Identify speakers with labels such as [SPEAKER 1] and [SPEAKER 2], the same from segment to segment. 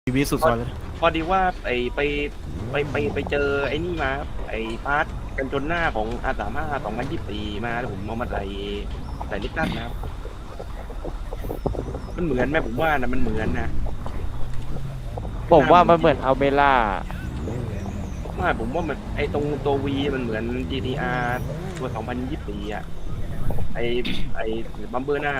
[SPEAKER 1] ชีวิตสุดซอยเลย
[SPEAKER 2] พอดีว่าไปเจอไอ้นี่มาครับไอ้พาร์ทกันจนหน้าของR35 2024มาแล้วผมเอามาใส่ลิปตันนะครับมันเหมือนไหมผมว่านะมันเหมือนนะ
[SPEAKER 3] ผมว่ามันเหมือนอัลเบล่า
[SPEAKER 2] ไม่ผมว่ามันไอ้ตรงตัว V มันเหมือน GTR ตัว2024อ่ะไอ้บัมเบอร์หน้า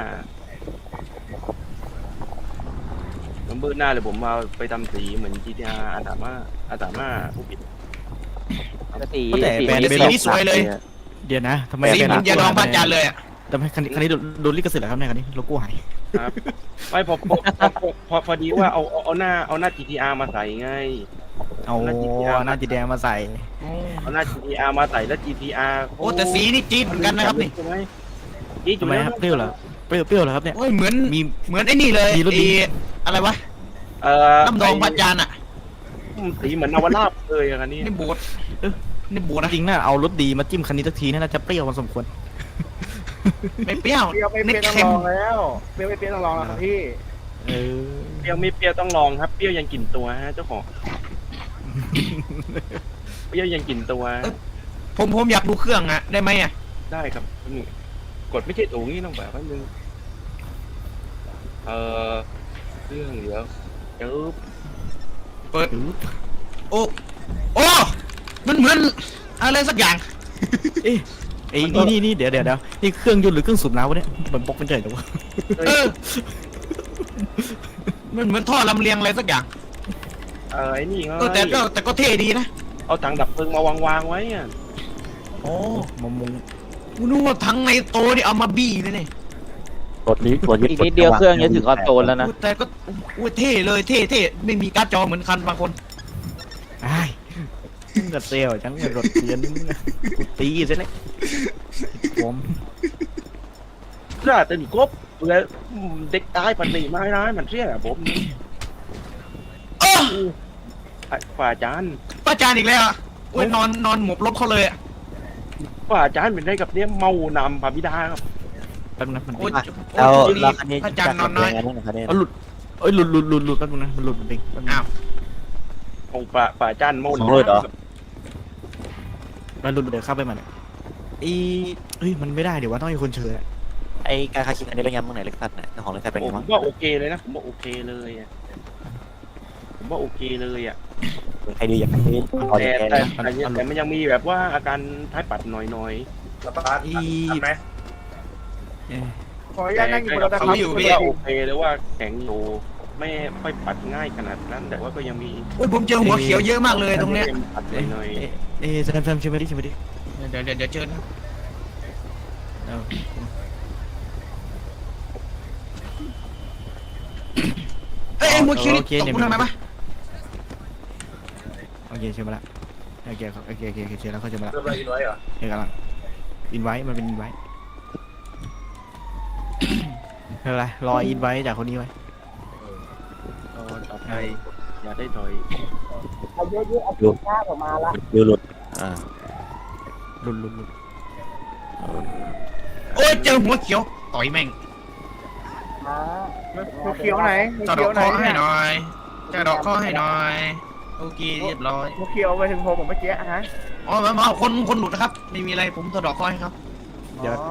[SPEAKER 2] เลยผมเอาไปทำสีเหมือน GTR R35 ผู้ผิด
[SPEAKER 3] สี
[SPEAKER 1] แต่แบรนด์
[SPEAKER 4] สีนี่สวยเลย
[SPEAKER 1] เดี๋ยวนะทำไม
[SPEAKER 4] สีเหมือนยาดองพระจันทร์เลยอ่ะ
[SPEAKER 1] ทำไมคันนี้โดนลิขสิทธิ์เหรอครับเนี่ยคันนี้โลโก้หาย
[SPEAKER 2] ครับไม่พอดีว่าเอาหน้า GTR มาใส่ไง
[SPEAKER 1] เอาหน้าจีแดงมาใส่
[SPEAKER 2] เอาหน้า GTR มาใส่แล้ว GTR
[SPEAKER 4] โอ้แต่สีนี่จี๊ดเหมือนกันนะครับนี่
[SPEAKER 2] ใช่ไหมจี๊ดอยู่
[SPEAKER 1] ทำไม
[SPEAKER 2] แล้ว
[SPEAKER 1] ครับเปรี้ยวเหรอเปรี้ยวเหรอครับเนี่ย
[SPEAKER 4] โอ้ยเหมือน
[SPEAKER 1] มี
[SPEAKER 4] เหมือนไอ้นี่เลย
[SPEAKER 1] มีรถดี
[SPEAKER 4] อะไรวะน้ำดองพระจันทร์อ่ะ
[SPEAKER 2] สีเหมือนนวราบเลยอะคันนี้
[SPEAKER 4] นี่บูดนี่บูดนะ
[SPEAKER 1] จริงน่าเอารถดีมาจิ้มคันนี้สักทีน่าจะเปรี้ยวพอสมควร
[SPEAKER 4] ไม่เปรี้ยว
[SPEAKER 5] เปรี้ยวไม่เปรี้ยวต้อง
[SPEAKER 4] เค็ม
[SPEAKER 5] ลองแล้วเปรี้ยวไม่เปรี้ยวต้องลองแล้วครับพี่
[SPEAKER 1] เออ
[SPEAKER 2] เปรี้ยวไม่เปรี้ยวต้องลองครับเปรี้ยวยังกลิ่นตัวฮะเจ้าของเปรี้ยวยังกลิ่นตัว
[SPEAKER 4] ผมอยากดูเครื่องอ่ะได้ไหมอ่ะ
[SPEAKER 2] ได้ครับนี่กดไม่ใช่ตัวนี้ต้องแบบว่านึงเครื่องเดี๋ยวจึ๊บ
[SPEAKER 4] เปิดโอ้มันเหมือนอะไรสักอย่าง
[SPEAKER 1] เอ๊ะไอ้นี่เดี๋ยวนี่เครื่องยนต์หรือเครื่องสูบน้ำวะเนี่ยมันปกเป็นเฉยแต่ว่า
[SPEAKER 4] เออมันเหมือนท่อลำเลียงอะไรสักอย่าง
[SPEAKER 2] ไอ้นี่ไง
[SPEAKER 4] แต่ก็เท่ดีนะ
[SPEAKER 2] เอาถังดับเพลิงมาวางไว้อะ
[SPEAKER 4] โอ้
[SPEAKER 1] มมุง
[SPEAKER 4] กูนึกว่าทั้งในโตนี่เอามาบี้เลยนี่
[SPEAKER 3] อีกนิดเดียวเครื่องจะถึงคอนโซลแล้วนะ
[SPEAKER 4] แต่ก็อุ้ยเท่เลยเท่ไม่มีการ์ดจอเหมือนคันบางคน
[SPEAKER 1] ไอ้กระเซลจังรถเรียนกูตีเสร็จเลยผม
[SPEAKER 2] น่าตื่นกบเลยเด็กตายปฏิไม่ร้ายมันเชี่ยผมฝ่าจาน
[SPEAKER 4] ป้าจานอีกแล้วอ่ะโอ้ยนอนหมบลบเขาเลยอ่ะ
[SPEAKER 2] ฝ่าจานเป็นได้กับเนี้ยเมานำพาบิดาครับ
[SPEAKER 1] แป๊บนึงนะมัน
[SPEAKER 4] โอ้ย
[SPEAKER 3] แล้วคันนี้
[SPEAKER 4] ป้าจานนอนน้อย
[SPEAKER 1] เอาหลุดเอ้ยหลุดแป๊บนึงนะมันหลุดจริง
[SPEAKER 4] อ้าว
[SPEAKER 2] ของฝ่าจานเมา
[SPEAKER 3] ของเลยเหรอ
[SPEAKER 1] มันหลุดเดี๋ยวเข้าไปมันเฮ้ยมันไม่ได้เดี๋ยวว่าต้องมีคนเชิญ
[SPEAKER 3] ไอการคาคิดอันนี้เป็นยังมึงไหนเล็กสัตว์เนี่ยเจ้าของเล็กสัตว์เป็น
[SPEAKER 2] ผ
[SPEAKER 3] ยัง
[SPEAKER 2] ม
[SPEAKER 3] มั้ง
[SPEAKER 2] ว่าโอเคเลยนะผมว่าโอเคเลยอ่ะ
[SPEAKER 3] ใครดีอย่างไรพอ
[SPEAKER 2] แต่
[SPEAKER 3] จะแก้
[SPEAKER 2] แต่มันยังมีแบบว่าอาการท้ายปัดหน่อย
[SPEAKER 5] สตาร์ททันไหมขออนุ
[SPEAKER 2] ๆ
[SPEAKER 5] ญาตนั่งอยู่บนรถนะครับ
[SPEAKER 2] ว่าโอเคเลยว่าแข็งอยู่ไม่ค่อยปัดง่ายขนาดนั้นแต่ว่าก็ยังมี
[SPEAKER 4] โอ้ยผมเจอหัวเขียวเยอะมากเลยตรงเนี้ย
[SPEAKER 2] ปัดหน่อย
[SPEAKER 1] แซมชิมไปดิ
[SPEAKER 4] เดี๋ยวเจอนะเอ้ยหัวเขียวนี่ตกกูทำไมปะ
[SPEAKER 1] โอเคชิมมาละโอเคเชิญแล้วเขาชิมมาละ
[SPEAKER 5] เริ่มอะไรอินไว้เหรอ
[SPEAKER 1] เฮ้ยกำลังอินไว้มันเป็นอินไว้ไม่เป็นไรรออินไว้จากคนนี้ไว้
[SPEAKER 2] ต่อไปอย่าได้ถอย
[SPEAKER 3] ดูหลุด
[SPEAKER 1] หลุด
[SPEAKER 4] โอ้ยเจอหัวเขียวต่อยแม่ง
[SPEAKER 5] หัวเขียวไหนหัว
[SPEAKER 4] จะด
[SPEAKER 5] เขี
[SPEAKER 4] อย ก
[SPEAKER 5] วไหน
[SPEAKER 4] ข้อให้หน่อยจะดอกข้อให้หน่อยโอเคเรียบร้อย
[SPEAKER 5] หัวเขียวไปถึงผมเมื่อกี้ฮะ
[SPEAKER 4] อ๋อมาคนหลุดนะครับไม่มีอะไรผมจะดอกข้อให้ครับ
[SPEAKER 1] เดี๋ยว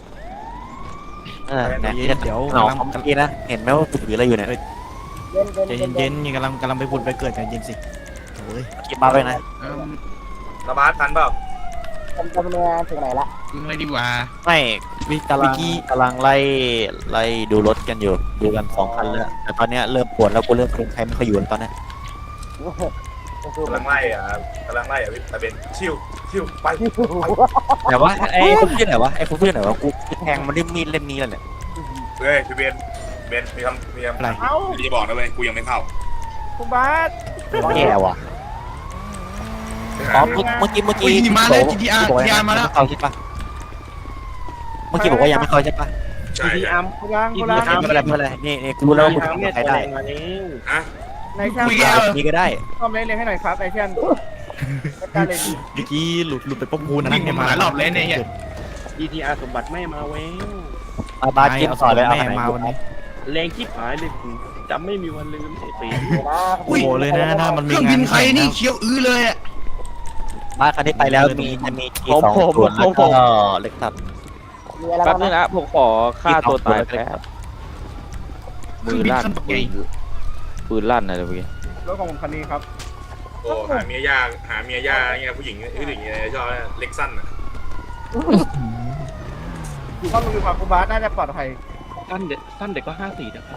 [SPEAKER 3] เนี่ยเดี๋ยวเอาของเมื่อกี้นะเห็นไหมว่าถืออะไรอยู่เนี่ย
[SPEAKER 1] ใจเย็นๆกำลังไปบุญไปเกิดใจเย็นสิโอ้ย
[SPEAKER 3] คิดมาไปนะ
[SPEAKER 5] สตาร์ททันเปล่า
[SPEAKER 4] ยิงเลยดีกว่า
[SPEAKER 3] ไม่กำลังไล่ดูรถกันอยู่ดูกัน2 คันแล้วแต่ตอนนี้เริ่มปวดแล้วกูเริ่มใครไม่ค่อยอยู่ตอนนี้
[SPEAKER 5] กำลังไล่อ่ะพี่ตะเบนชิวไป
[SPEAKER 3] แต่ว่าไอ้คนชื่อไหนวะกูแทงมันด้วยมีดเล่มนี้แล้วเนี่ย
[SPEAKER 5] เฮ้ยพี่เบนมีคำ
[SPEAKER 1] อะไร
[SPEAKER 5] เอ้าพี่จะบอกนะเว้ยกูยังไม่เข้าคุณบาส
[SPEAKER 3] แย่ว่ะอ๋อเมื่อกี้เข้าใช่ปะเมื่อกี้บอกว่ายังไม่เข้าใช่ปะ
[SPEAKER 2] ทีอาร์ม
[SPEAKER 5] คุณล้าง
[SPEAKER 3] ไม่เป็นไรนี่กูรู้แล้วว่ากูทำใครได้
[SPEAKER 2] มาแล้ว
[SPEAKER 5] นายช่าง
[SPEAKER 3] นี่ก็ได้
[SPEAKER 5] ซ่อมเล่นให้หน่อยครับนายช่างการเล่น
[SPEAKER 1] เมื่อกี้หลุดไปป๊อปปูนะ
[SPEAKER 4] วิ่งมาหลายรอบเลยเนี่ย
[SPEAKER 2] GTR สมบัติไม่มาเว้ย
[SPEAKER 3] บาสจิ้มต่อเลยเอา
[SPEAKER 1] แม่
[SPEAKER 3] ไหน
[SPEAKER 1] มาวันนี้
[SPEAKER 2] แรงชิบหายเลยผมจำไม่มีวันลืมไอ้ปี
[SPEAKER 1] โอ้โหเลยนะถ้ามัน
[SPEAKER 4] เค
[SPEAKER 1] มี
[SPEAKER 4] รื่อง
[SPEAKER 1] งา
[SPEAKER 4] บิ
[SPEAKER 1] น
[SPEAKER 4] นใครนี่เขียวอื้อเลยอ่ะ
[SPEAKER 3] บ้านคันนี้ไปแล้วจะมีกีสองส่วนแล้วก็เล็กตัด
[SPEAKER 6] มีอะไร
[SPEAKER 7] แป๊บ
[SPEAKER 6] บ้าง
[SPEAKER 7] นึง
[SPEAKER 6] นะ
[SPEAKER 7] นะผมขอฆ่าตัวตายแป๊บ
[SPEAKER 4] เครื่
[SPEAKER 7] มื
[SPEAKER 4] อง
[SPEAKER 7] อ
[SPEAKER 4] บิน
[SPEAKER 7] ลั่น
[SPEAKER 4] ขั้นปักใหญ่
[SPEAKER 7] ปืนลั่นอะไรเมื่อกี้
[SPEAKER 8] รถของผมคันนี้ครับ
[SPEAKER 5] โอ้หาเมียยากหาเมียยากเงี้ยผู้หญิงผู้หญิงเนี่ยชอบเล็กสั้นอ่ะ
[SPEAKER 8] ข้อมูลความคุณบาสน่าจะปลอดภัย
[SPEAKER 2] สั้นเด็กก็54นะครับ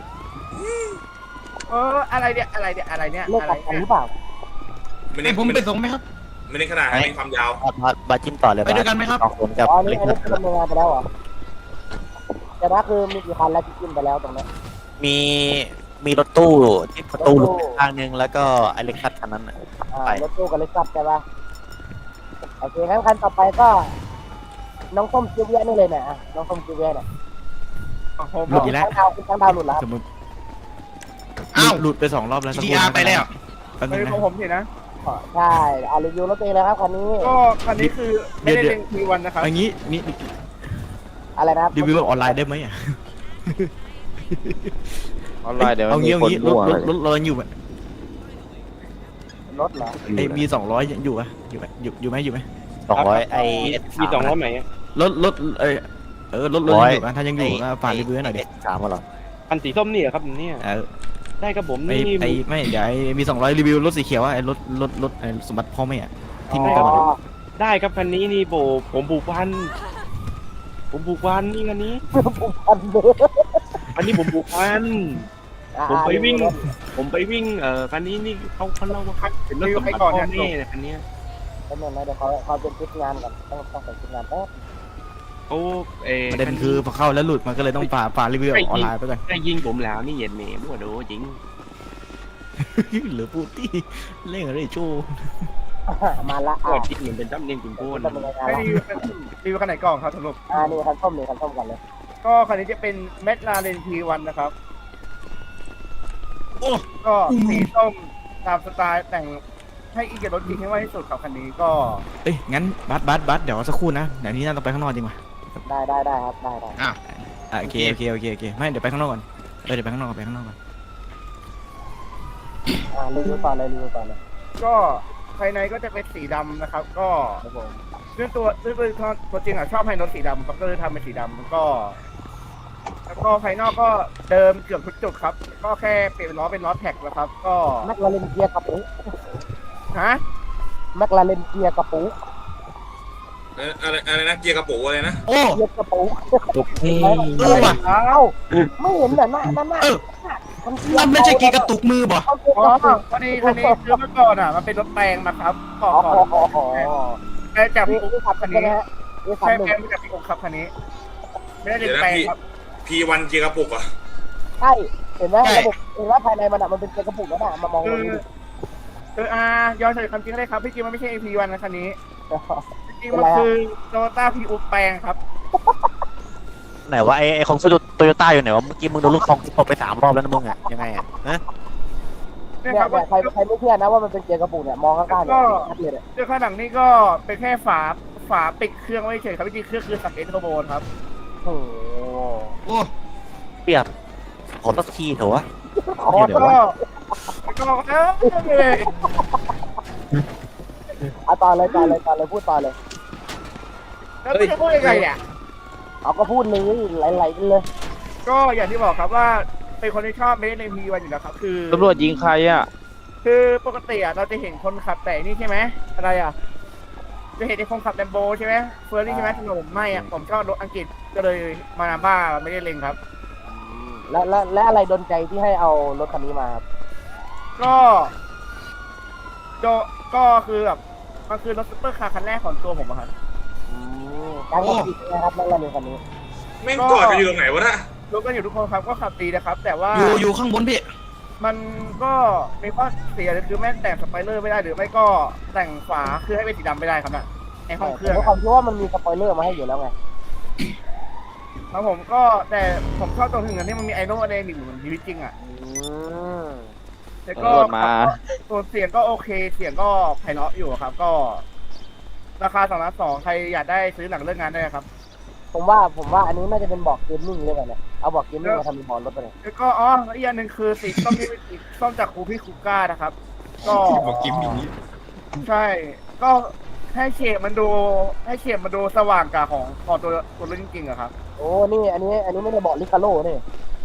[SPEAKER 8] อะไรเนี่ยอะไรเนี่ยอะไรเนี่ย
[SPEAKER 6] เลือก
[SPEAKER 8] อะไร
[SPEAKER 6] ตัดกันห
[SPEAKER 8] เนี่ย
[SPEAKER 6] รือเปล่า
[SPEAKER 5] ไม่
[SPEAKER 4] ให้
[SPEAKER 5] ได้
[SPEAKER 4] ผมไปส่งไหมครับ
[SPEAKER 5] ไม่ได้ขนาดไม่ความยาว
[SPEAKER 3] บาจิ้มต่อเลย
[SPEAKER 4] ไปด้วยกันไหมครับ
[SPEAKER 3] สองคนกับ
[SPEAKER 6] อ๋อนี่
[SPEAKER 3] เล็ก
[SPEAKER 6] อัน
[SPEAKER 3] ตั
[SPEAKER 6] นี้
[SPEAKER 3] ด
[SPEAKER 6] คือดำเนินงานไปแล้วเหรอแต่ว่าคือมีกี่คันแล้วที่กินไปแล้วตรงนี้
[SPEAKER 3] มีรถตู้ที่ประตูหลุดข้างนึงแล้วก็ไอเล็กตัดคันนั้น
[SPEAKER 6] รถตู้กับรถกลับใช่ปะโอเคงั้นคันต่อไปก็ น้องส้มซิเวียนี่เลยเนี่ยน้องส้มซิเวียเนี่ย
[SPEAKER 1] หลุดอีกแล้ว
[SPEAKER 6] ตั้งดาวหลุดแล้ว
[SPEAKER 1] สมมติ
[SPEAKER 4] อ้าว
[SPEAKER 1] หลุดไป2 รอบแล้วสักครู่
[SPEAKER 4] GTR ไปแล้ว
[SPEAKER 1] แป๊บนึ
[SPEAKER 8] เฮ้
[SPEAKER 1] ง
[SPEAKER 8] ย
[SPEAKER 1] นะ
[SPEAKER 8] ของผมสินะ
[SPEAKER 6] ใช่รีวิวรถตัวเองเลยครับคันนี้
[SPEAKER 8] ก็คันนี้คือไม่ได้เล็งทีวันนะครับ
[SPEAKER 1] อันนี้นี่
[SPEAKER 6] อะไรนะครับ
[SPEAKER 1] รีวิวออนไลน์ได้ไหมอ่ะ
[SPEAKER 7] ออนไลน์เดี๋ยว
[SPEAKER 1] เอา
[SPEAKER 7] มี
[SPEAKER 1] งี้
[SPEAKER 7] คน
[SPEAKER 1] เอางี้
[SPEAKER 7] มั่ว
[SPEAKER 1] รถเรายังอยู่ไหม
[SPEAKER 6] รถเหรอ
[SPEAKER 1] ไอ้มี200ยังอยู่ปะอยู่ไหมอยู่ไหม
[SPEAKER 3] 200ไอ
[SPEAKER 2] มี200ไหม
[SPEAKER 1] รถรถยังอยู่ปะถ้ายังอยู่ก็ฝากรีวิวให้หน่อยดิ
[SPEAKER 3] สามเหรอ
[SPEAKER 2] อันสีส้มนี่เหรอครับเนี่ย ได้ครับผม
[SPEAKER 1] ไอ้
[SPEAKER 2] นี่
[SPEAKER 1] ไอ้ไม่เดี๋ยวไอ้มี200รีวิวรถสีเขียวไอ้รถไอ้สมบัติพ่อแม่อะที่มี
[SPEAKER 6] อ๋
[SPEAKER 1] กระบะ
[SPEAKER 6] อ
[SPEAKER 2] ได้ครับคันนี้นี่ผมผูกพันนี่คันนี้
[SPEAKER 6] ผูกพันเลย
[SPEAKER 2] อันนี้ผมผูกพัน ผมไปวิ่งคันนี้นี่เขาเล่าว่าเป็นรถสมบัติพ่อแม่คันนี้
[SPEAKER 6] เป็นยังไงเดี๋ยวเขาเป็นชุดงานก่อนต้องใส่ชุดงานแป๊บ
[SPEAKER 2] โอ้
[SPEAKER 1] ประเด็นคือพอเข้าแล้วหลุดมันก็เลยต้องฝากรีวิวออนไลน์ไปก่อน
[SPEAKER 2] ได้ยิงผมแล้วนี่เหยียดเมย์มั่วโดจริง
[SPEAKER 1] หรือพูดที่เล่นอะไรโชว์
[SPEAKER 6] มาละ
[SPEAKER 2] ก็จริงเหมือนเป็นตั้มเนียงคุณโก้น
[SPEAKER 6] ดำเนินงาน
[SPEAKER 8] ให้
[SPEAKER 6] ละ
[SPEAKER 8] รีวิวคันไหนก่อนครับสรุป
[SPEAKER 6] นี่คันส้มนี่คันส้มกันเลย
[SPEAKER 8] ก็คันนี้จะเป็นเมทลาเรนทีวันนะครับ
[SPEAKER 4] โอ้
[SPEAKER 8] ก็สีส้มตามสไตล์แต่งให้อีกกับรถจริงให้มากที่สุดครับคันนี้ก็
[SPEAKER 1] เอ้ยงั้นบัสเดี๋ยวสักครู่นะเดี๋ยวนี้น่าต้องไปข้างนอกจริงป่ะ
[SPEAKER 6] ได้ครับได้
[SPEAKER 1] โอเคไม่เดี๋ยวไปข้างนอกก่อนเดี๋ยวไปข้างนอกก่อน
[SPEAKER 6] รีวิวต่อเลย
[SPEAKER 8] ก็ภายในก็จะเป็นสีดำนะครับ ก็ด้วยตัวจริงอ่ะชอบให้รถสีดำครับก็เลยทำเป็นสีดำแล้วก็ภายนอกก็เดิมเกือบทุกจุดครับ ก็แค่เปลี่ยนล้อเป็นล้อแท็กแล้วครับ ก็
[SPEAKER 6] แม็กลาเรนเกียร์กระปุก
[SPEAKER 8] ฮะ
[SPEAKER 6] แม็กลาเรนเกียร์กระปุก
[SPEAKER 5] อะไรนะเกียร์กระปุกอะไรนะ
[SPEAKER 4] โอ้
[SPEAKER 6] เกียร์กระปุก
[SPEAKER 3] ตุ๊กนี่
[SPEAKER 4] ว่ะ
[SPEAKER 8] อ้าว
[SPEAKER 6] ไม่เห็นเหรอหน้า
[SPEAKER 4] นั่นไม่ใช่กีกระตุกมือบ่
[SPEAKER 8] อ๋อพอดีคันนี้คือเมื่อก่อนอ่ะมันเป็นรถแปลงนะครับก่อนแปลงจากพี่อุ๊บครับคันนี้
[SPEAKER 6] นี่
[SPEAKER 8] ใช่
[SPEAKER 6] คันหนึ่ง
[SPEAKER 8] แปลงมาจากพี่อุ๊บครับคันนี้ ไม่ได้เป็นแปลงครับ
[SPEAKER 5] P1 เกียร์กระปุกอ่ะ
[SPEAKER 6] ใช่เห็นไหมระบบเห็นว่าภายในมันมันเป็นเกียร์กระปุกแล้วน่ะมามองตรงนี้
[SPEAKER 8] ย้อนใส่คำจริงเลยครับพี่จริงมันไม่ใช่ AP1 นะคันนี้จริงมันคือโตโยต้าพีอุ๊บแปลงครับ
[SPEAKER 3] ไหนว่าไอของโตโยต้าอยู่ไหนวะเมื่อกี้มึงโดนลูกซองตบไป3 รอบแล้วนะมึงอ่ะยังไงอ่ะนะ
[SPEAKER 8] เนี่ย
[SPEAKER 6] เนี่ย
[SPEAKER 8] ครับ
[SPEAKER 6] ใครไม่เชื่อนะว่ามันเป็นเกียร์กระปุกเนี่ยมองข้างๆเนี่ยชัดเลย
[SPEAKER 8] เรื่องข้างหลังนี่ก็เป็นแค่ฝาปิดเครื่องไว้เฉยครับพี่จริงเครื่องคือสักเอทโทโบนครับ
[SPEAKER 6] โอ้
[SPEAKER 4] โอ้
[SPEAKER 3] เปียกขอสักทีเถอะวะ
[SPEAKER 6] ขอ
[SPEAKER 8] แล้วก็เลย
[SPEAKER 6] ต่อเลยพูดต่อเลย
[SPEAKER 8] แล้วจะพูดยังไงอ่ะ
[SPEAKER 6] เอาก็พูดเลยไหลๆกันเลย
[SPEAKER 8] ก็อย่างที่บอกครับว่าเป็นคนที่ชอบเมดในพีวันอยู่แล้วครับคือ
[SPEAKER 7] ตำรวจยิงใครอ่ะ
[SPEAKER 8] คือปกติอ่ะเราจะเห็นคนขับแต่นี่ใช่ไหมอะไรอ่ะจะเห็นไอ้คนขับแลมโบใช่ไหมเฟอร์รี่ใช่ไหมถนนไม่อ่ะผมชอบรถอังกฤษก็เลยมานาบ้าไม่ได้เล็งครับ
[SPEAKER 6] และอะไรดนใจที่ให้เอารถคันนี้มาครับ
[SPEAKER 8] ก็คือแบบมันคือรถซุปเปอร์คาร์คันแรกของตัวผมอะครับ
[SPEAKER 6] การขับขี่นะครับนั่นแหละคันนี้
[SPEAKER 5] แม่งกอดกันอยู่ตรงไหนวะน่ะ
[SPEAKER 8] รถก็อยู่ทุกคนครับก็ขับดีนะครับ แต่ว่า
[SPEAKER 4] อยู่ข้างบนพี่
[SPEAKER 8] มันก็มีข้อเสียเลยคือแม่งแต่งสไปเลอร์ไม่ได้หรือไม่ก็แต่งฝาคือให้เป็นสีดำไม่ได้ครับน่ะในห้องเครื่อง
[SPEAKER 6] ด้วยความที่ว่ามันมีสปอยเลอร์มาให้อยู่แล้วไง
[SPEAKER 8] ครับผมก็แต่ผมชอบตรงถึงอันที่มันมีไอโน่อะไรหนึ่งเหมือนชีวิตจริงอ่ะแต่ก็
[SPEAKER 7] ตำรวจมา
[SPEAKER 8] ตัวเสียงก็โอเคเสียงก็ไพเราะอยู่ครับ ก็ราคา2,200,000ใครอยากได้ซื้อหลังเลิกงานได้ครับ
[SPEAKER 6] ผมว่าอันนี้น่าจะเป็นบอกเกมมิ่งเลยเนี่ยเอาบอกเกมมิ่งมาทำเป็นบอลรถไปเลย
[SPEAKER 8] แล้วก็แล้วอีกอย่างหนึ่งคือสีส้มที่เป็นสีส้มจากครูพี่คูก้านะครับ ก็
[SPEAKER 4] บอกกิมอย่างนี้
[SPEAKER 8] ใช่ ก็ให้เฉดมันดูสว่างกว่าของตัวรถจริงๆอะครับ
[SPEAKER 6] โอ้นี่อันนี้ไม่ได้บอกลิคาโร่นี่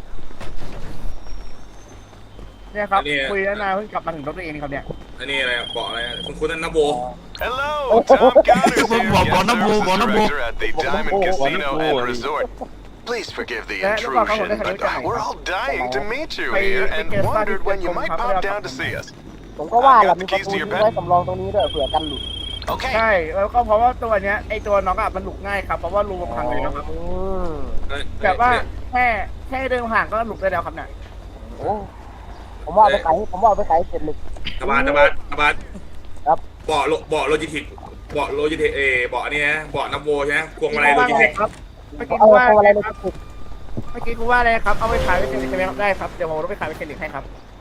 [SPEAKER 8] เนี่ยครับคุยแล้วนายเพิ่งกลับมาถึงรถตัวเองครับเนี่ย
[SPEAKER 5] อันนี้อะไรบอกอะไรคุณนั่นนะโบ
[SPEAKER 9] Hello, Tom Connors here,
[SPEAKER 4] Bornabo,
[SPEAKER 9] guest
[SPEAKER 4] Bornabo.
[SPEAKER 9] director at the Diamond Casino and Resort. Please forgive the intrusion, but we're all dying to meet you here and wondered when you might pop down to see us.
[SPEAKER 6] ผมก็ว่าแหละมีประตูทิ้งไว้สำรองตรงนี้ด้วยเผื่อกันหลุด
[SPEAKER 9] Okay.
[SPEAKER 8] ใช่แล้วก็เพราะว่าตัวเนี้ยไอตัวน้องอะมันหลุดง่ายครับเพราะว่ารูมันพังเลยนะครับ
[SPEAKER 6] อืม
[SPEAKER 8] แบบว่าแค่เดินห่างก็หลุดได้แล้วครับเนี่ย
[SPEAKER 6] โอ้ผมว่าเอาไปขายเสร็จเลย
[SPEAKER 5] ตะบานครับเบาะโลจิเทคเบาะอันนี้นะเบาะนับโบใช่ไหมพวงมาลัยโลจิเทค
[SPEAKER 8] ครับเมื่อกี้
[SPEAKER 6] เอา
[SPEAKER 8] กูว่า
[SPEAKER 6] อะไร
[SPEAKER 8] อะไร
[SPEAKER 6] เลย
[SPEAKER 8] ครับเมื่อกี้กูว่าอะไรครับเอาไปขายเป็นเซนดิใช่ไหมครับได้ครับเดี๋ยวผมเอาไปขายเป็นเซนดิให้ครับ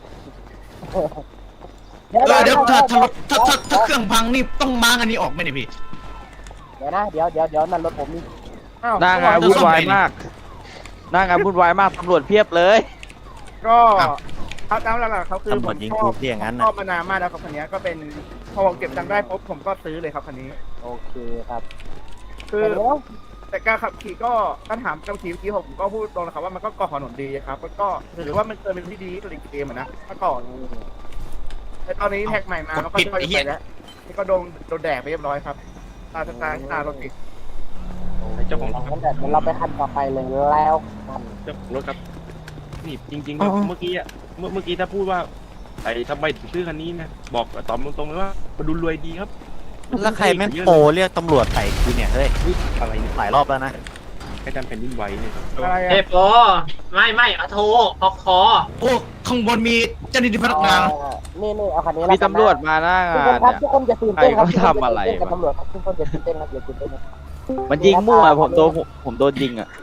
[SPEAKER 6] เดี๋ยว
[SPEAKER 4] เดี๋ยวถ้าเครื่องพังนี่ต้องม้างอันนี้ออกไหมเนี่ยพี่
[SPEAKER 6] เดี๋ยวนะเดี๋ยวนั่นรถผมนี่
[SPEAKER 8] อ้าว
[SPEAKER 7] หน้างานวุ่นวายมากหน้างานวุ่นวายมากตำรวจเพียบเลย
[SPEAKER 8] ก็เขาตามหลักๆเขาคือ
[SPEAKER 1] ตำร
[SPEAKER 8] ผ
[SPEAKER 1] วจ
[SPEAKER 8] ม
[SPEAKER 1] ยิง
[SPEAKER 8] ช
[SPEAKER 1] กู
[SPEAKER 8] อบ
[SPEAKER 1] เพี้ยอย่างนั้น
[SPEAKER 8] ช
[SPEAKER 1] นะ
[SPEAKER 8] อบมานานมากแล้วครับคันนี้ก็เป็นพอผมเก็บตังค์ได้ปุ๊บผมก็ซื้อเลยครับคันนี้
[SPEAKER 6] โอเคครับ
[SPEAKER 8] คือ
[SPEAKER 6] เดี๋ยว
[SPEAKER 8] แต่การขับขี่ก็การถามการขี่เมื่อกี้ผมก็พูดตรงนะครับว่ามันก็ก่อถนนดีครับมันก็ถือว่ามันเคยเป็นที่ดีที่สุดในเกมอะนะเมื่อก่อนแต่ตอนนี้แท็กใหม่มามันก็ค่อยๆไปแล้วนี่ก็โดนแดกไปเรียบร้อยครับตารถติด
[SPEAKER 2] เจ้าของรถ
[SPEAKER 6] งั้นเดี๋ยวเราไปคันต่อไปเลยแล้วกัน
[SPEAKER 2] เจ้าของรถครับนี่จริงๆครับเมื่อกี้ถ้าพูดว่าไอ้ทำไมถึงซื้อคันนี้นะบอกตอบตรงๆเลยว่ามันดูรวยดีครับ
[SPEAKER 1] แล้วใครแม่งโทรเรียกตำรวจใส่กูเนี่ยเฮ้ย
[SPEAKER 2] อะไรเนี่ย
[SPEAKER 1] หลายรอบแล้วนะ
[SPEAKER 2] ใครจำแผ่นดินไหวเนี่ย
[SPEAKER 8] อะไร
[SPEAKER 10] เอ
[SPEAKER 8] อะ
[SPEAKER 10] ฟโอไม่อะโทรพอคอ
[SPEAKER 4] โอ้ข้างบนมีเจ้าหน้าที่พนักงาน
[SPEAKER 6] นี่เอาคันนี้
[SPEAKER 7] มีตำรวจมาหน้า
[SPEAKER 6] ทุก
[SPEAKER 7] งา
[SPEAKER 6] คน
[SPEAKER 7] น
[SPEAKER 6] ครับ
[SPEAKER 7] เนี่ย
[SPEAKER 6] ทุกคนจะตื่นเต้นครับ
[SPEAKER 7] ใครเขาทำอะไร
[SPEAKER 6] กับตำรวจครับทุกคนจะตื่นเต้นครับอย่าตื่นเต้นครับ
[SPEAKER 7] มันยิงมั่วผมโดนยิงอ่ะ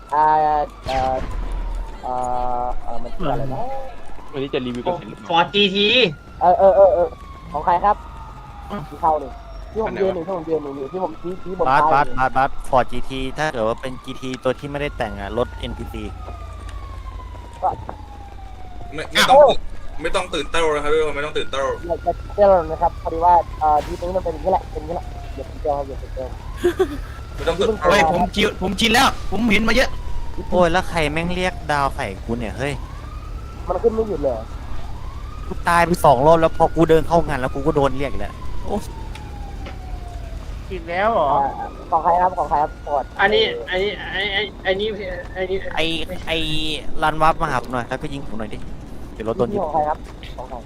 [SPEAKER 6] มันชื่ออะไรนะ
[SPEAKER 2] วันนี้จะรีวิวกันเสร็จ
[SPEAKER 10] ฟอร์จีที
[SPEAKER 6] ของใครครับที่เข้านี่ที่ผมยืนนี่ที่ผมชี้บน
[SPEAKER 1] บาส
[SPEAKER 6] ท้าย
[SPEAKER 1] บาสฟอร์ด GT ถ้าเกิดว่าเป็น GT ตัวที่ไม่ได้แต่งอะรถ NPC
[SPEAKER 5] ไม่ต้องตื่นเต้นนะครับทุกคนไม่ต้องตื่นเต้น
[SPEAKER 6] อยากจะเตือนนะครับพอดีว่าทีนี้มันเป็นอย่างนี้แหละเป็นอย่างนี้แหละอย่าตื่นเต้นอย่าตื่นเต้น
[SPEAKER 5] ไม่ต้องตื่น
[SPEAKER 4] เฮ้ยผมชินแล้ว ผมเห็นมาเยอะ
[SPEAKER 1] โอ้ยแล้วใครแม่งเรียกดาวใส่กูเนี่ยเฮ้ย
[SPEAKER 6] มันขึ้นไม่หยุดเลย
[SPEAKER 1] กูตายไป2 รอบแล้วพอกูเดินเข้างานแล้วกูก็โดนเรียกอีกแล้ว
[SPEAKER 8] กินแล้วเหรอ
[SPEAKER 6] ของใครครับปอด
[SPEAKER 10] อันนี้
[SPEAKER 1] ไอรันวับมาหาผมหน่อยแล้วก็ยิงผมหน่อยดิเดี๋ยวรถโดนยิง
[SPEAKER 6] ของใครครับของใคร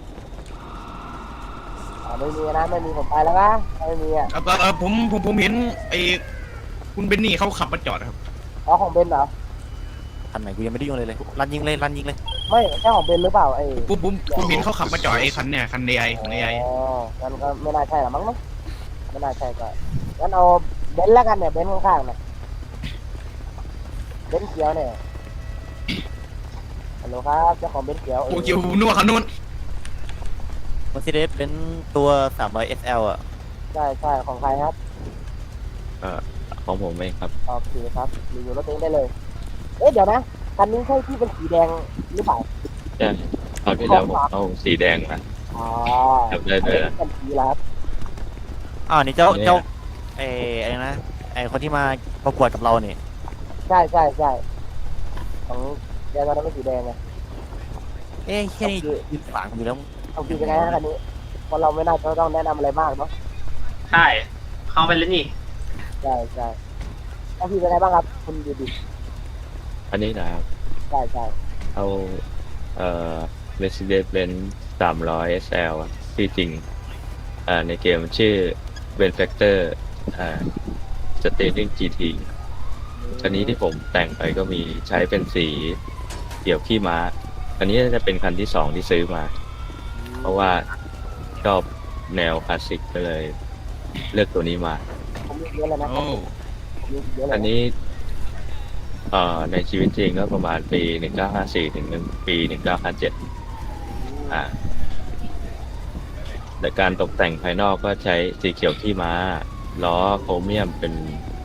[SPEAKER 6] ไม่มีนะไม่มีผมไปแล้วนะไม่มีอ่ะ
[SPEAKER 4] ผมเห็นไอ้คุณเบนนี่เขาขับมาจอดครับ
[SPEAKER 6] ของเบนเหรอ
[SPEAKER 1] ทันไหนกูยังไม่ได้ยุ่งเลยรันยิงเลย
[SPEAKER 6] ไม่ใช่ของเบนหรือเปล่า
[SPEAKER 4] ผมเห็นเขาขับมาจอดไอ้คันเนี่ยคัน AI ของ AI
[SPEAKER 6] อ๋องั้นก็ไม่น่าใช่หรอมั้งนะไม่น่าใช่ก็งั้นเอาเบนแล้วกันเนี่ยเบนข้างๆนะเบนเขียวเนี่ยฮัลโหลครับเจ้าของเบนเขียว
[SPEAKER 4] โอ้เกี่ยวนัวคันนู้น
[SPEAKER 1] Mercedes เป็นตัว300 SL อ่ะ
[SPEAKER 6] ใช่ของใครครับ
[SPEAKER 7] ของผมเองครับ
[SPEAKER 6] โอเคครับรีวิวรถเองได้เลยเดี๋ยวนะคันนี้ใช่ที่เป็นสีแดงหรือเปล่า
[SPEAKER 7] ใช่คราวที่แล้วผมเอาสีแดงมา
[SPEAKER 6] อ๋อ
[SPEAKER 7] จำได้เลยนะ
[SPEAKER 6] เป็นสีแล้วครับ
[SPEAKER 1] นี่เจ้าอะไรนะไอคนที่มาประกวดกับเราเนี่ย
[SPEAKER 6] ใช่ของแดงตอนนั้นเป็นสีแดงไง
[SPEAKER 1] แค่นี้ยืนขวางอยู่แล้ว
[SPEAKER 6] เอาคือยังไงฮะคันนี้เพราะเราไม่น่าจะต้องแนะนำอะไรมากเนาะ
[SPEAKER 10] ใช่เข้าไปแล้วนี่
[SPEAKER 6] ใช่เอาคือยังไงบ้างครับคุณดูดิ
[SPEAKER 7] อันนี้นะครับ
[SPEAKER 6] ใช่
[SPEAKER 7] เอาMercedes-Benz 300 SL อะที่จริงในเกมชื่อ Benefactor Steering GT คันนี้ที่ผมแต่งไปก็มีใช้เป็นสีเกี่ยวขี้ม้าคันนี้จะเป็นคันที่2ที่ซื้อมา เพราะว่าชอบแนวคลาสสิกก็เลยเลือกตัวนี้มา
[SPEAKER 6] ผมมีเยอะเลยนะ
[SPEAKER 4] โอ้
[SPEAKER 6] มีเยอะเลย
[SPEAKER 7] อันนี้ในชีวิตจริงก็ประมาณปี 1954 ถึงปี 1957แต่การตกแต่งภายนอกก็ใช้สีเขียวขี้ม้าล้อโครเมียมเป็น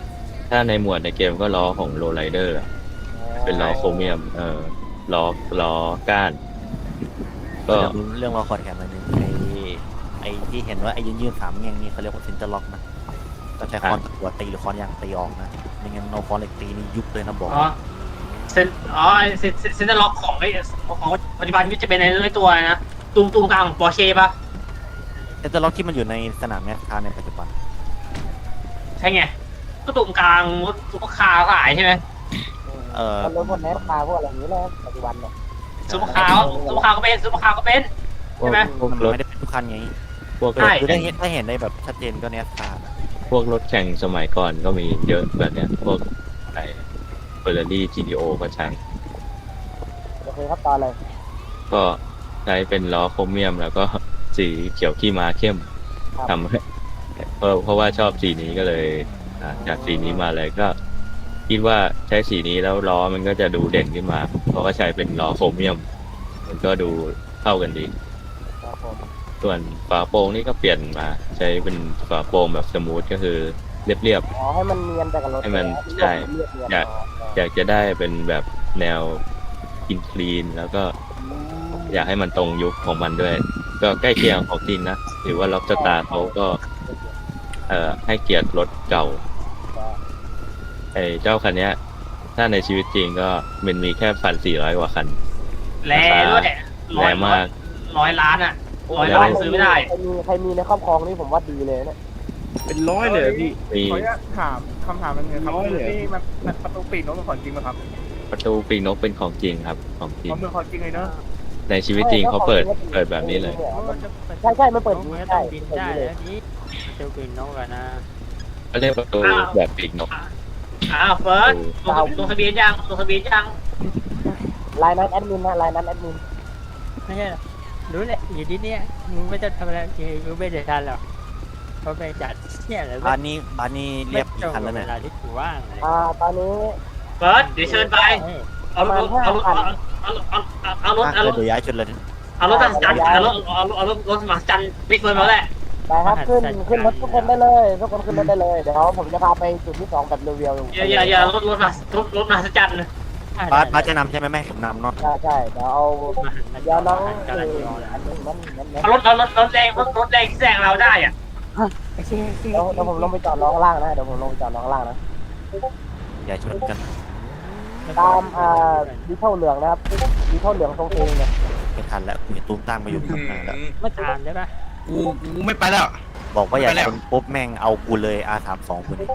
[SPEAKER 7] ถ้าในหมวดในเกมก็ล้อของโรไ r เดอร์เป็นล้อโครเมียมล้อก้าน
[SPEAKER 3] ก็
[SPEAKER 7] ก็
[SPEAKER 3] เรื่องว่าคอร์ดแคมอันนึงไอ้ที่เห็นว่าไอ้ยืน3แง่งนี่เขาเรียกว่าเซนเตอร์ล็อกนะก็ใช้คอนตะกัวตีหรือคอนยางตีออกนะไม่งั้นเอาคอนเหล็กตีนี่ยุบเลยนะบอก
[SPEAKER 10] อ๋อเซนเซนเตอร์ล็อกของของปัจจุบันนี่จะเป็นในตัวนะตูมกลางของปอร์เช่ปะ
[SPEAKER 3] เซนเตอร์ล็อกที่มันอยู่ในสนามแมสคาร์ในปัจจุบัน
[SPEAKER 10] ใช่ไงก็ตูมกลางซุปเปอร์คาร์หลายใช่ไหม
[SPEAKER 6] มันรู้หมดแนสคาพวกอะไรอย่างนี้เลยปัจจุบันเนี่ย
[SPEAKER 10] ซุปเปอร์คาร์ก็เป็นซุปเปอร์คาร์ก็เป็น
[SPEAKER 7] พวก
[SPEAKER 10] ใช่ไหม
[SPEAKER 7] พวก
[SPEAKER 3] มัน
[SPEAKER 7] รถ
[SPEAKER 3] ไม่ได้เป็นทุกคันไง
[SPEAKER 7] พวก
[SPEAKER 10] ใช่
[SPEAKER 3] คือถ้าเห็นได้แบบชัดเจนก็เนสคาร์
[SPEAKER 7] พวกรถแข่งสมัยก่อนก็มีเยอะแบบเนี้ยพวกไอ้เฟอร์รารี่ GTO ก็ใช้
[SPEAKER 6] โอเคครับตอนเลย
[SPEAKER 7] ก็ใช้เป็นล้อโครเมียมแล้วก็สีเขียวขี้ม้าเข้มทำให้เพราะว่าชอบสีนี้ก็เลยจากสีนี้มาเลยก็คิดว่าใช้สีนี้แล้วล้อมันก็จะดูเด่นขึ้นมา เพราะว่าใช้เป็นล้อโครเมียม มันก็ดูเข้ากันดี
[SPEAKER 6] ครับผม
[SPEAKER 7] ส่วนฝาโปร่งนี่ก็เปลี่ยนมาใช้เป็นฝาโปร่งแบบสมูทก็คือเรียบ
[SPEAKER 6] อ๋อให้มันเนียนไปกับรถ
[SPEAKER 7] ให้มันใช่ อยากจะได้เป็นแบบแนวอินคลีนแล้วก็อยากให้มันตรงยุคของมันด้วย ก็ใกล้เคียงของจริงนะหรือว่าล็อบสตาร์เขาก็ให้เกียรติรถเก่าไอ้เจ้าคันเนี้ย ถ้าในชีวิตจริงก็มันมีแค่ 1,400 กว่าคัน
[SPEAKER 10] แรงด้วย
[SPEAKER 7] แรงมาก
[SPEAKER 10] 100 ล้านอ่ะ100 ล้านซื้อไม่ได้
[SPEAKER 6] ใครมีในครอบครองนี่ผมว่าดีเลยเนี่ย
[SPEAKER 2] เป็นร้อยเลยอะพี่
[SPEAKER 7] มี
[SPEAKER 8] ขออนุญาตถามคำถามนึงครับ
[SPEAKER 2] น้อยเลย
[SPEAKER 8] นี่มันประตูปีกนกเป็นของจริงไหมครับ
[SPEAKER 7] ประตูปีกนกเป็นของจริงครับของจริง
[SPEAKER 8] มันเป็นของจริงเลยเนอะ
[SPEAKER 7] ในชีวิตจริงเขาเปิดแบบนี้เลย
[SPEAKER 6] ใช่มันเปิดอย่างนี้ใช่
[SPEAKER 11] บินได้แล้วนี้เจอบินนกอะนะ
[SPEAKER 7] เขาเรียกประตูแบบปีกนก
[SPEAKER 10] เฟิร์สลงทะเบียนยัง
[SPEAKER 6] ไลน์นั้นแอดมินนะไลน์นั้นแอดมิน
[SPEAKER 11] ไม่ใช่หรอรู้แหละอยู่ที่เนี้ยมึงไม่จะทำอะไรมึงไม่ได้ทันหรอกเพราะไปจัดเนี่ยแหละ
[SPEAKER 3] บ้านนี้เรียบกี่คันแล้ว
[SPEAKER 11] เว
[SPEAKER 3] เนี่ย
[SPEAKER 11] ลาที่กูว่างเลย
[SPEAKER 6] ตอนนี้
[SPEAKER 10] เฟิร์สเดี๋ยวเชิญไป เอารถ
[SPEAKER 3] เดี๋ยวย้ายชุดเลย
[SPEAKER 10] เอารถมาจันรถมาจันบิ๊กเฟิร์สมาแหละ
[SPEAKER 6] ไปครับขึ้นรถทุกคนได้เลยทุกคนขึ้นรถได้เลยเดี๋ยวผมจะพาไปจุดที่2แบบเรียวๆ
[SPEAKER 10] อย่ารถมาจัน
[SPEAKER 3] บาสจะนำใช่ไหมแม่ผมนำเนาะ
[SPEAKER 6] ใช่เดี๋ยวเอาเดี๋ยวน้องอันนี้มัน
[SPEAKER 10] เอารถแรงที่แซงเราได้อ่ะ
[SPEAKER 6] เดี๋ยวผมลงไปจอดน้องข้างล่างนะเดี๋ยวผมลงไปจอดน้องข้างล่างนะ
[SPEAKER 3] ย้ายชุดกัน
[SPEAKER 6] ตามดิเท่าเหลืองนะครับดิเท่าเหลืองทรงเองเนี่ย
[SPEAKER 3] ไม่ทันแล้วกูจะตุ้มตั้งมาอยู่ข้างหน้าแล้ว
[SPEAKER 11] ไม่ทานได้ปะ
[SPEAKER 4] กูไม่ไปแล้ว
[SPEAKER 3] บอกว่าอยากเป็นปุ๊บแม่งเอากูเลย R32 กูนี่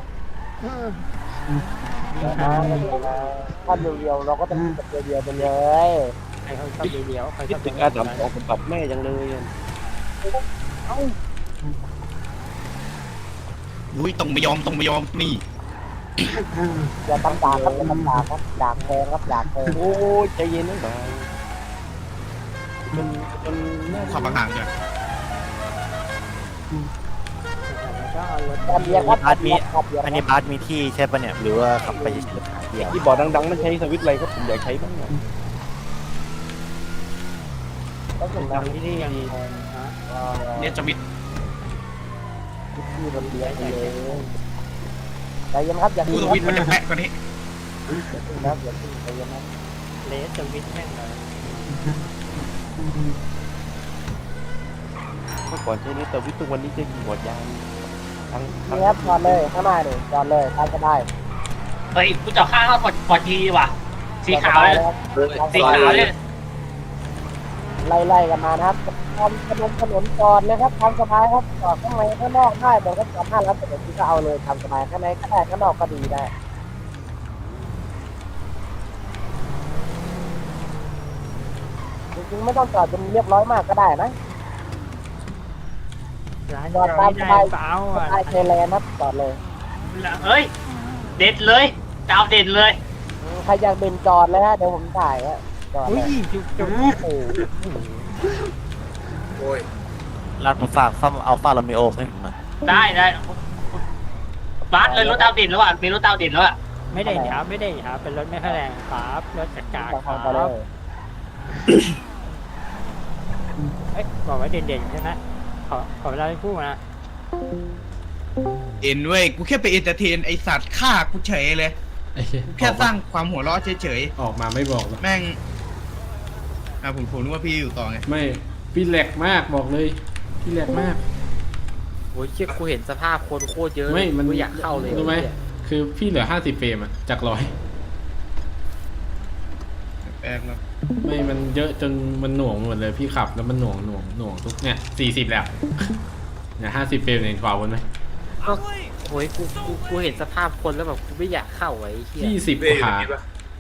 [SPEAKER 6] ถ้าเรียวๆเราก็จะมีแบบเรียวๆไปเลย
[SPEAKER 11] ใครเขาชอบเลี้ยวใครชอบ
[SPEAKER 2] ถึงการทำของผมปรับแม่จังเลยอะ
[SPEAKER 4] อุ้ยต้องไม่ยอมนี่
[SPEAKER 6] อย่าตำตาครับอย่าตำตาครับดากแพงครับดากแพง
[SPEAKER 2] โอ้ยใจเย็นนะบ่าวจนน่า
[SPEAKER 4] ขับห่างๆเลย
[SPEAKER 11] ก็เอารถ
[SPEAKER 6] ตามเบียร์ครับ
[SPEAKER 3] บาสมี
[SPEAKER 6] ครับเบียร์
[SPEAKER 3] อันนี้บาสมีที่ใช่ปะเนี่ยหรือว่าขับไปเฉยๆหาที่เอา
[SPEAKER 2] ที่บอร์ดดังๆมันใช้สวิตช์อะไรครับผมอยากใช้บ้างอะ
[SPEAKER 6] ต้องถึง
[SPEAKER 11] ดั
[SPEAKER 6] นะ
[SPEAKER 11] งที่นี่ยังคงฮะ
[SPEAKER 4] เนี่ยจะมิด
[SPEAKER 6] ที่รถเบียร์เลยใจเย็นครับอย่า
[SPEAKER 4] กูสวิตช์มันจะแปะกว่านี้
[SPEAKER 6] นะอย่าใจเย็นนะ
[SPEAKER 11] เลสจะวิทแม่งเลย
[SPEAKER 2] เมื่อก่อนใช้นี้แต่วิทุกวันนี้จะกี่หมดยางทั้ง
[SPEAKER 6] นี่ครับจอดเลยข้างหน้านี่จอดเลยตามก็ได้
[SPEAKER 10] เฮ้ยกูจะข้างเขาปอดทีว่ะสีขาวเลย
[SPEAKER 6] ไล่กันมานะครับทำถนนจอดเลยครับทำสบายครับจอดข้างในข้างนอกได้บอกว่าจอดห้าแล้วแต่เดี๋ยวพี่ก็เอาเลยทำสบายข้างในก็ได้ข้างนอกก็ดีได้จริงๆไม่ต้องจอดจนเรียบร้อยมากก็ได้นะ
[SPEAKER 11] ร้าน
[SPEAKER 6] จอดตามส
[SPEAKER 11] ไม่
[SPEAKER 6] บา
[SPEAKER 11] ได้
[SPEAKER 6] ย
[SPEAKER 11] เปล่า
[SPEAKER 6] ส
[SPEAKER 11] อ่ะ
[SPEAKER 6] บายเทเลนครับจอดเลย
[SPEAKER 10] เฮ้ยเด็ดเลยดาวเด็ดเลย
[SPEAKER 6] ใครอยากเดินจอดเลยฮะเดี๋ยวผมถ่ายฮะจอด
[SPEAKER 11] อุ้
[SPEAKER 6] เลย ย
[SPEAKER 11] จุก
[SPEAKER 6] โอ้
[SPEAKER 5] โอ้ย
[SPEAKER 3] ร้านผมฝากซ่อมอัลฟาโรมิโอให้ผมหน่อย
[SPEAKER 10] ได้บาสเลยรถดาวเด็ดแล้วอ่ะมีรถดาวเด็ดแล้วอ่ะ
[SPEAKER 11] ไม่ได้ครับเป็นรถไม่ค่อยแรงครับรถจักรค
[SPEAKER 6] ฟั
[SPEAKER 11] รั
[SPEAKER 6] งๆไปเล
[SPEAKER 11] บ
[SPEAKER 6] ย
[SPEAKER 11] เอ้ยบอกว่าเด่นๆใช่ไหมขอเวลาให้พูดนะ
[SPEAKER 4] เอ็นเว้ยกูแค่ไปเอนเตอร์เทนไอสัตว์ฆ่ากูเฉยเลย
[SPEAKER 12] ไอ้เหี้ย
[SPEAKER 4] กูแค่สร้างความหัวเราะเฉย
[SPEAKER 12] ออกมาไม่บอกหรอก
[SPEAKER 4] ๆแม่งผมนึกว่าพี่อยู่ต่อไง
[SPEAKER 12] ไม่พี่แหลกมากบอกเลยพี่แหลกมาก
[SPEAKER 11] โอ้ยเชี่ยกูเห็นสภาพคนโคตรเยอะ
[SPEAKER 12] ไม่มัน
[SPEAKER 11] กูอยากเข้าเลย
[SPEAKER 12] รู้ไหมคือพี่เหลือ50 เฟรมอะจาก100
[SPEAKER 4] แปลกแล้ว
[SPEAKER 12] ไม่มันเยอะจนมันหน่วงหมดเลยพี่ขับแล้วมันหน่วงทุกเนี่ย40แล้วเนี่ย50 เฟรมเองกว่าวนไหม
[SPEAKER 11] ก็โอ้ยกูเห็นสภาพคนแล้วแบบกูไม่อยากเข้าไอ้เหี้ย
[SPEAKER 12] 20
[SPEAKER 5] เบ้อยู่
[SPEAKER 12] ขา
[SPEAKER 5] ในนี้ปะ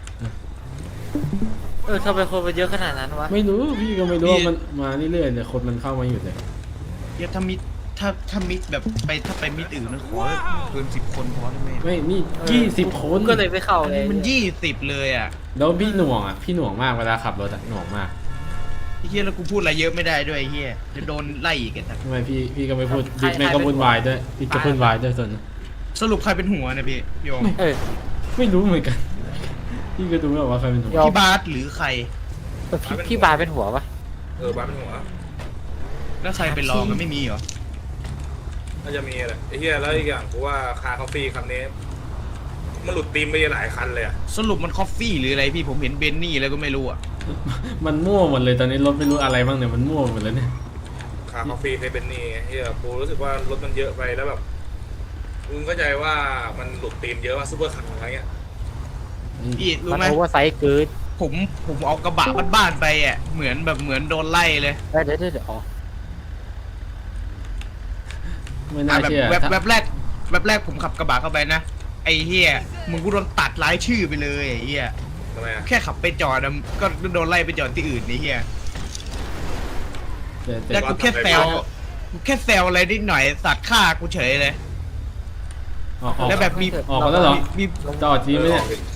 [SPEAKER 11] ทำไมคนมันเยอะขนาดนั้นวะ
[SPEAKER 12] ไม่รู้พี่ก็ไม่รู้ว่ามันมาเรื่อยๆเลยคนมันเข้ามาอยู่เลย
[SPEAKER 4] เดี๋ยวถ้ามิดแบบถ้าไปมิดอื่นนะขอเกิน10 คนพอได้ไหม
[SPEAKER 12] ไม่นี่20 คน
[SPEAKER 11] ก็เลยไม่เข้า
[SPEAKER 4] อัน
[SPEAKER 11] เลย
[SPEAKER 4] นี้มัน20เลยอ่ะ
[SPEAKER 12] แล้วพี่หน่วงอ่ะพี่หน่วงมากเวลาขับรถอะหน่วงมาก
[SPEAKER 4] ไอ้เฮียแล้วกูพูดอะไรเยอะไม่ได้ด้วยไอ้เฮียจะโดนไล่อีกแต่
[SPEAKER 12] ทำไมพี่ก็ไม่พูดบิ๊กแม่ก็วุ่นวายด้วยพี่ก็วุ่นวายด้วยส่วนนะ
[SPEAKER 4] สรุปใครเป็นหัวเนี่ยพี่โยม
[SPEAKER 11] เออ
[SPEAKER 12] ไม่รู้เหมือนกัน พี่ก็ดูไม่ออกว่าใครเป็นหัว
[SPEAKER 4] พี่บาสหรือใคร
[SPEAKER 11] พี่บาร์เป็นหัวปะ
[SPEAKER 5] บ้านเป็นหัว
[SPEAKER 4] แล้วใครเป็นรองกันไม่มีเหรอ
[SPEAKER 5] น่าจะมีแหละไอ้เหี้ยแล้วอีกอย่างกูว่าคาคาเฟ่คันนี้มันหลุดตีมไปหลายคันเลยอะ
[SPEAKER 4] สรุปมันคอฟฟี่หรืออะไรพี่ผมเห็นเบนนี่แล้วก็ไม่รู้อ่ะ
[SPEAKER 12] มันมั่วหมดเลยตอนนี้รถไม่รู้อะไรบ้างเนี่ยมันมั่วหมดเลยเนี่ย
[SPEAKER 5] คาคาเฟ่เคยเป็นนี่เหี้ยกูรู้สึกว่ารถมันเยอะไปแล้วแบบมึงเข้าใจว่ามันหลุดตีมเยอะว่าซูเปอร์คันอะไรเงี้ย
[SPEAKER 4] พี่รู้
[SPEAKER 11] มัน
[SPEAKER 4] ไหม
[SPEAKER 11] โอเวอร์ไซส์เกิน
[SPEAKER 4] ผมเอากระบะบ้านๆไปอ่ะเหมือนโดนไล่เลย
[SPEAKER 11] เดี๋ยวอ๋อ
[SPEAKER 12] ไม่น่า
[SPEAKER 4] แบบ
[SPEAKER 12] เชื่อ
[SPEAKER 4] แบบแรกผมขับกระบะเข้าไปนะไอ้เฮียมึงกูโดนตัดรายชื่อไปเลยไอ้เฮีย
[SPEAKER 5] ทำไมอะ
[SPEAKER 4] แค่ขับไปจอดอะก็โดนไล่ไปจอดที่อื่นไอ้เฮีย
[SPEAKER 12] แต่
[SPEAKER 4] แล้วกูแค่แซวอะไรนิดหน่อยสัตว์ฆ่ากูเฉยเลย
[SPEAKER 12] ออก
[SPEAKER 4] แล้วแบบมี
[SPEAKER 12] ออกมาแล้วเหรอ
[SPEAKER 4] มี
[SPEAKER 12] จอดจริงไหมเนี่ย
[SPEAKER 5] อ